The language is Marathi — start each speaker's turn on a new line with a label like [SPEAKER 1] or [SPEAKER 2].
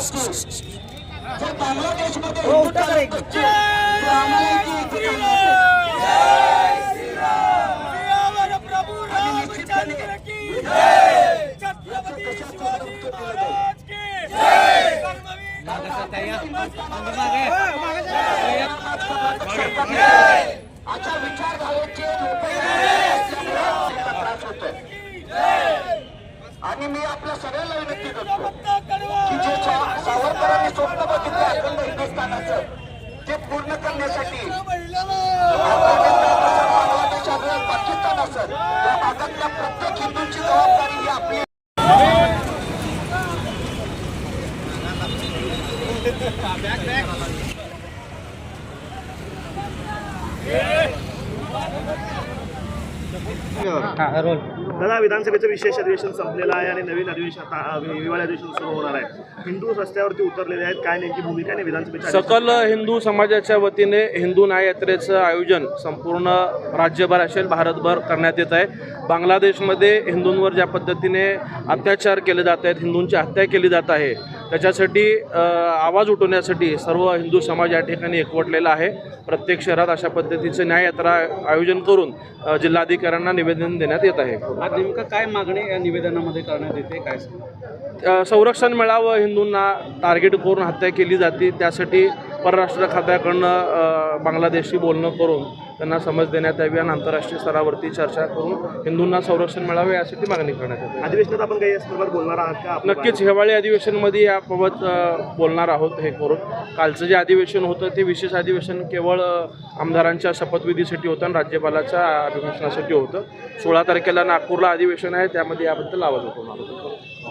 [SPEAKER 1] नक्की जर बांगलादेशमध्ये हिंदू चालत नसतील, तर आम्हाला इथे एकीकरण आणि निश्चितपणे अशा विचारधारेचे त्रास होतोय. आणि मी आपल्या सगळ्यांना विनंती करतो की जे सावरकरांनी स्वप्न बघितलं अखंड हिंदुस्थानाचं ते पूर्ण करण्यासाठी बांगलादेश असेल, पाकिस्तान असेल, या भागातल्या प्रत्येक हिंदूंची जबाबदारी ही आपली.
[SPEAKER 2] दादा, विधानसभेचं विशेष अधिवेशन संपलेलं आहे आणि नवीन अधिवेशन आता हिवाळी अधिवेशन सुरू होणार आहे. हिंदू रस्त्यावरती उतरलेले आहेत. काय नेमकी भूमिका आहे विधानसभेच्या?
[SPEAKER 3] सकल हिंदू समाजाच्या वतीने हिंदू न्याय यात्रेचं आयोजन संपूर्ण राज्यभर असेल भारतभर करण्यात येत आहे. बांगलादेशमध्ये हिंदूंवर ज्या पद्धतीने अत्याचार केले जात आहेत, हिंदूंची हत्या केली जात आहे, त्याच्यासाठी आवाज उठवण्यासाठी सर्व हिंदू समाज या ठिकाणी एकवटलेला आहे. प्रत्येक शहरात अशा पद्धतीचं न्याय यात्रा आयोजन करून जिल्हाधिकाऱ्यांना निवेदन देण्यात येत आहे.
[SPEAKER 4] आज नेमकं काय मागणी या निवेदनामध्ये करण्यात येते, काय
[SPEAKER 3] संरक्षण मिळावं, हिंदूंना टार्गेट करून हत्या केली जाते, त्यासाठी परराष्ट्र खात्याकडनं बांगलादेशशी बोलणं करून त्यांना समज देण्यात यावी आणि आंतरराष्ट्रीय स्तरावरती चर्चा करून हिंदूंना संरक्षण मिळावे यासाठी मागणी करण्यात येते.
[SPEAKER 2] अधिवेशनात आपण काही यासंदर्भात बोलणार आहात का?
[SPEAKER 3] नक्कीच हिवाळी अधिवेशनमध्ये याबाबत बोलणार आहोत. हे करून कालचं जे अधिवेशन होतं ते विशेष अधिवेशन केवळ आमदारांच्या शपथविधीसाठी होतं आणि राज्यपालाच्या अभिभाषणासाठी होतं. 16 तारखेला नागपूरला अधिवेशन आहे, त्यामध्ये याबद्दल आवाज उठवणार होतो.